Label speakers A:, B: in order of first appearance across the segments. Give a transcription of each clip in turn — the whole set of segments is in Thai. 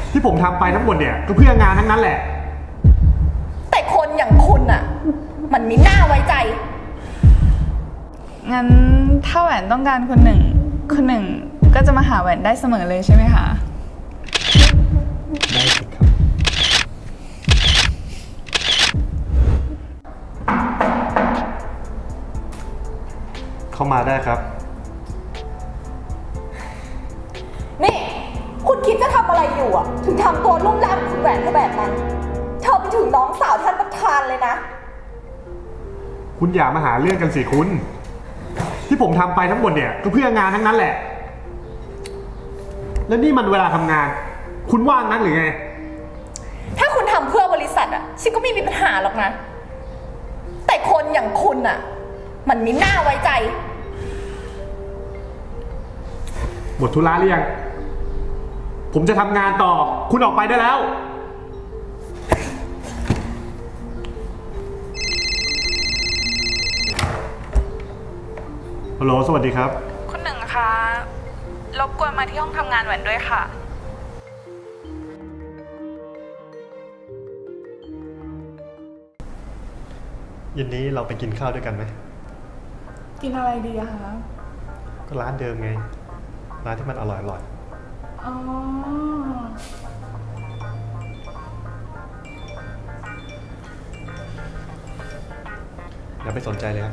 A: ที่ผมทำไปทั้งหมดเนี่ยก็เพื่องานทั้งนั้นแหละ
B: แต่คนอย่างคุณอะมันไม่น่าไว้ใจ
C: งั้นถ้าแหวนต้องการคนหนึ่งก็จะมาหาแหวนได้เสมอเลยใช่ไหมคะ
A: ได้สิครับเข้ามาได้ครับ
B: นี่คุณคิดจะทำอะไรอยู่อะถึงทำตัวลุ่มล่ามคุณแหวนเธอแบบนั้นเธอไปถึงน้องสาวท่านประธานเลยนะ
A: คุณอย่ามาหาเรื่องกันสิคุณที่ผมทำไปทั้งหมดเนี่ยก็เพื่องานทั้งนั้นแหละแล้วนี่มันเวลาทำงานคุณว่างนักหรือไง
B: ถ้าคุณทำเพื่อบริษัทอะฉันก็ไม่มีปัญหาหรอกนะแต่คนอย่างคุณอะมันไม่น่าไว้ใจ
A: หมดธุระหรือยังผมจะทำงานต่อคุณออกไปได้แล้วฮัลโหลสวัสดีครับ
C: คุณหนึ่งคะรบกวนมาที่ห้องทำงานแหวนด้วยค่ะ
A: เย็นนี้เราไปกินข้าวด้วยกันไหม
C: กินอะไรดีอะคะ
A: ก็ร้านเดิมไงร้านที่มันอร่อย
C: อ๋อ
A: อย่าไปสนใจเลยครับ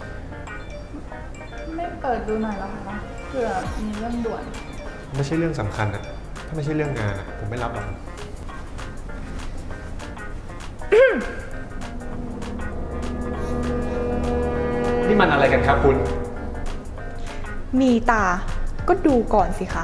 C: ไม่เปิดดูหน่อยเหรอคะเผื่อมีเรื่องด่วน
A: ไม่ใช่เรื่องสำคัญอะถ้าไม่ใช่เรื่องงานอะผมไม่รับหรอกนี่มันอะไรกันครับคุณ
B: มีตาก็ดูก่อนสิคะ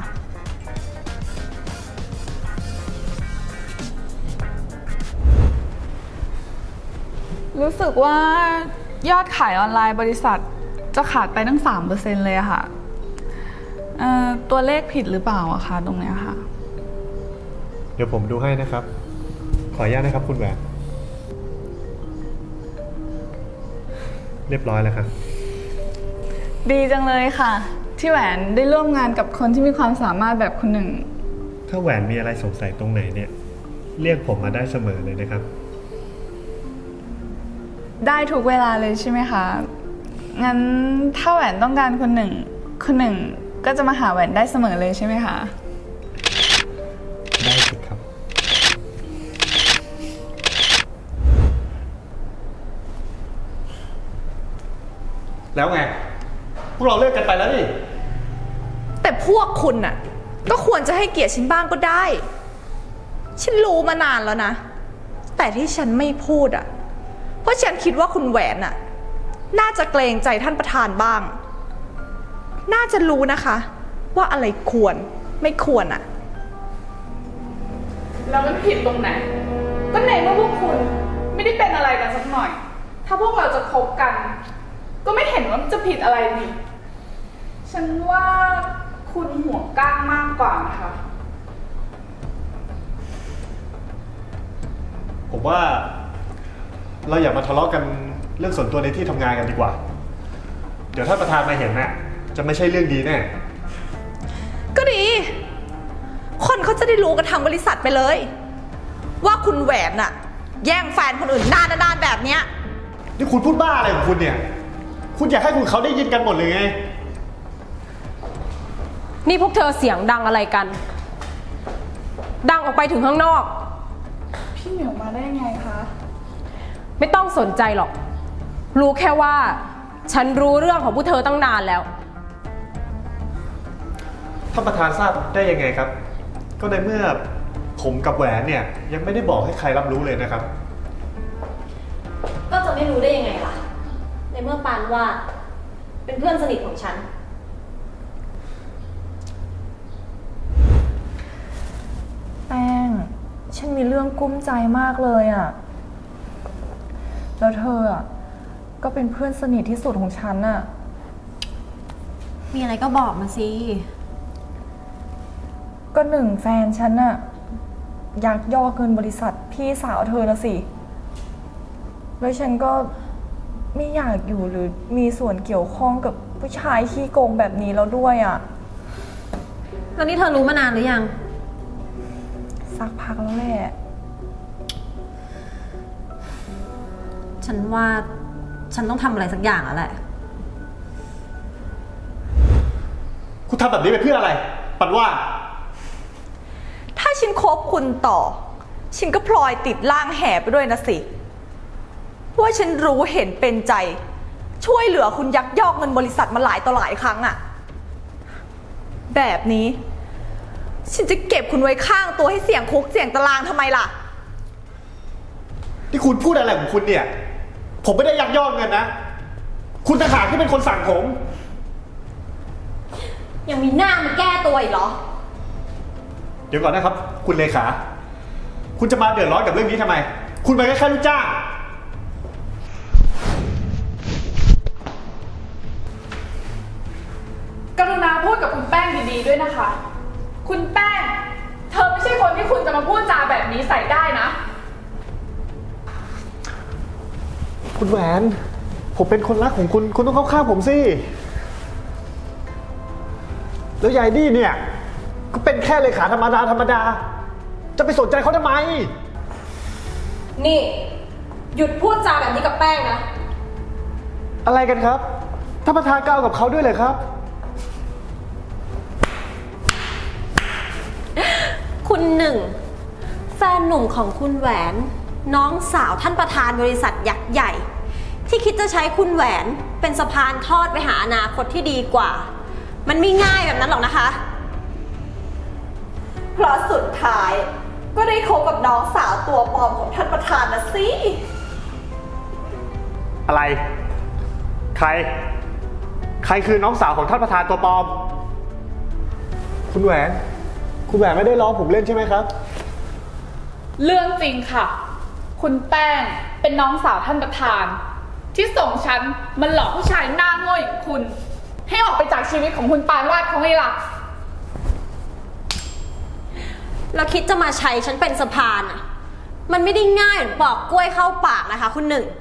C: รู้สึกว่ายอดขายออนไลน์บริษัทจะขาดไปตั้ง 3% เลยอะค่ะตัวเลขผิดหรือเปล่าอะคะตรงเนี้ยค่ะ
A: เดี๋ยวผมดูให้นะครับ ขออนุญาตนะครับคุณแหวนเรียบร้อยแล้วครับ
C: ดีจังเลยค่ะที่แหวนได้ร่วมงานกับคนที่มีความสามารถแบบคุณหนึ่ง
A: ถ้าแหวนมีอะไรสงสัยตรงไหนเนี่ยเรียกผมมาได้เสมอเลยนะครับ
C: ได้ทุกเวลาเลยใช่ไหมคะงั้นถ้าแหวนต้องการคนหนึ่งก็จะมาหาแหวนได้เสมอเลยใช่ไหมคะ
A: ได้สิครับแล้วไงพวกเราเลิกกันไปแล้วนี่
B: แต่พวกคุณน่ะก็ควรจะให้เกียรติฉันบ้างก็ได้ฉันรู้มานานแล้วนะแต่ที่ฉันไม่พูดอ่ะเพราะฉันคิดว่าคุณแหวนน่ะน่าจะเกรงใจท่านประธานบ้างน่าจะรู้นะคะว่าอะไรควรไม่ควรอ่ะ
C: แล้วมันผิดตรงไหนก็ในเมื่อพวกคุณไม่ได้เป็นอะไรกันสักหน่อยถ้าพวกเราจะคบกันก็ไม่เห็นว่าจะผิดอะไรนี่ฉันว่าคุณหัวก้างมากกว่านะคะ
A: ผมว่าเราอย่ามาทะเลาะกันเรื่องส่วนตัวในที่ทำงานกันดีกว่าเดี๋ยวถ้าประธานมาเห็นน่ะจะไม่ใช่เรื่องดีแน่
B: ก็ดีคนเขาจะได้รู้กันทางบริษัทไปเลยว่าคุณแหวนน่ะแย่งแฟนคนอื่นหน้าด้านแบบเนี้ย
A: นี่คุณพูดบ้าอะไรของคุณเนี่ยคุณอยากให้คุณเขาได้ยินกันหมดเลยไง
D: นี่พวกเธอเสียงดังอะไรกันดังออกไปถึงข้างนอก
C: พี่เหมียวมาได้ยังไงคะ
D: ไม่ต้องสนใจหรอกรู้แค่ว่าฉันรู้เรื่องของพวกเธอตั้งนานแล้ว
A: ท่านประธานทราบได้ยังไงครับก็ในเมื่อผมกับแหวนเนี่ยยังไม่ได้บอกให้ใครรับรู้เลยนะครับ
E: ก็จะไม่รู้ได้ยังไงล่ะในเมื่อปานว่าเป็นเพื่อนสนิทของฉัน
B: แป้งฉันมีเรื่องกุ้มใจมากเลยอ่ะแล้วเธออ่ะก็เป็นเพื่อนสนิทที่สุดของฉันอ่ะ
E: มีอะไรก็บอกมาสิ
B: ก็หนึ่งแฟนฉันอ่ะยักยอกเงินบริษัทพี่สาวเธอนะสิแล้วฉันก็ไม่อยากอยู่หรือมีส่วนเกี่ยวข้องกับผู้ชายขี้โกงแบบนี้แล้วด้วยอ่ะ
E: แล้วนี่เธอรู้มานานหรือยัง
B: สักพักแล้วแหละ
E: ฉันว่าฉันต้องทำอะไรสักอย่างแล้วแหละ
A: คุณทำแบบนี้ไปเพื่ออะไร ปันว่า
B: ถ้าฉันคบคุณต่อ ฉันก็พลอยติดล่างแห่ไปด้วยนะสิ ว่าฉันรู้เห็นเป็นใจ ช่วยเหลือคุณยักยอกเงินบริษัทมาหลายต่อหลายครั้งอะแบบนี้ ฉันจะเก็บคุณไว้ข้างตัวให้เสี่ยงคุกเสี่ยงตารางทำไมล่ะ
A: ที่คุณพูดอะไรของคุณเนี่ย ผมไม่ได้ยักยอกเงินนะ คุณต่างหากที่เป็นคนสั่งผม
E: ยังมีหน้ามาแก้ตัวอีกเหรอ
A: เดี๋ยวก่อนนะครับ คุณเลขา คุณจะมาเดือดร้อนกับเรื่องนี้ทำไม คุณเป็นแค่ลูกจ้าง
C: กรุณาพูดกับคุณแป้งดีๆด้วยนะคะ คุณแป้ง เธอไม่ใช่คนที่คุณจะมาพูดจาแบบนี้ใส่ได้นะ
A: คุณแหวน ผมเป็นคนรักของคุณ คุณต้องเข้าข้างผมสิ แล้วยายนี่เนี่ย ก็เป็นแค่เลขาธรรมดา จะไปสนใจเขาทำไม
D: นี่ หยุดพูดจาแบบนี้กับแป้งนะ
A: อะไรกันครับท่านประธานก็เอากับเขาด้วยเลยครับ
E: คุณหนึ่ง แฟนหนุ่มของคุณแหวน น้องสาวท่านประธานบริษัทยักษ์ใหญ่ ที่คิดจะใช้คุณแหวนเป็นสะพานทอดไปหาอนาคตที่ดีกว่า มันไม่ง่ายแบบนั้นหรอกนะคะ
B: เพราะสุดท้ายก็ได้คบกับน้องสาวตัวปลอมของท่านประธานนะสิ
A: อะไร ใคร ใครคือน้องสาวของท่านประธานตัวปลอม คุณแหวน คุณแหวนไม่ได้ล้อผมเล่นใช่ไหมครับ
C: เรื่องจริงค่ะ คุณแป้งเป็นน้องสาวท่านประธาน ที่ส่งฉันมันหลอกผู้ชายหน้าโง่อย่างคุณ ให้ออกไปจากชีวิตของคุณปานวาดเขาไงล่ะ
E: เราคิดจะมาใช้ฉันเป็นสะพานอ่ะ มันไม่ได้ง่ายเหมือนปอกกล้วยเข้าปากนะคะ คุณหนึ่ง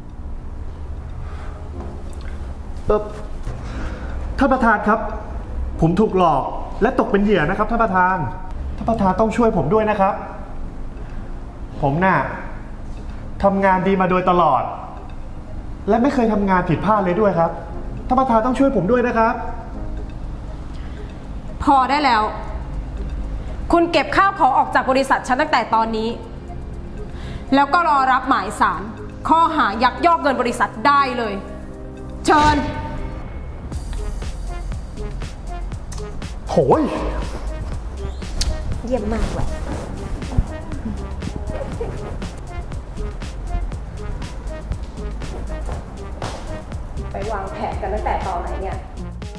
A: ท่านประธานครับ ผมถูกหลอกและตกเป็นเหยื่อนะครับท่านประธาน ท่านประธานต้องช่วยผมด้วยนะครับ ผมน่ะทำงานดีมาโดยตลอด และไม่เคยทำงานผิดพลาดเลยด้วยครับ ท่านประธานต้องช่วยผมด้วยนะครับ
D: พอได้แล้ว คุณเก็บข้าวของออกจากบริษัทฉันตั้งแต่ตอนนี้ แล้วก็รอรับหมายสารข้อหายักยอกเงินบริษัทได้เลย เชิญ
A: โหย
E: เยี่ยมมากแหวน
D: ไปวางแผนกันตั้งแต่ตอนไหนเนี่ย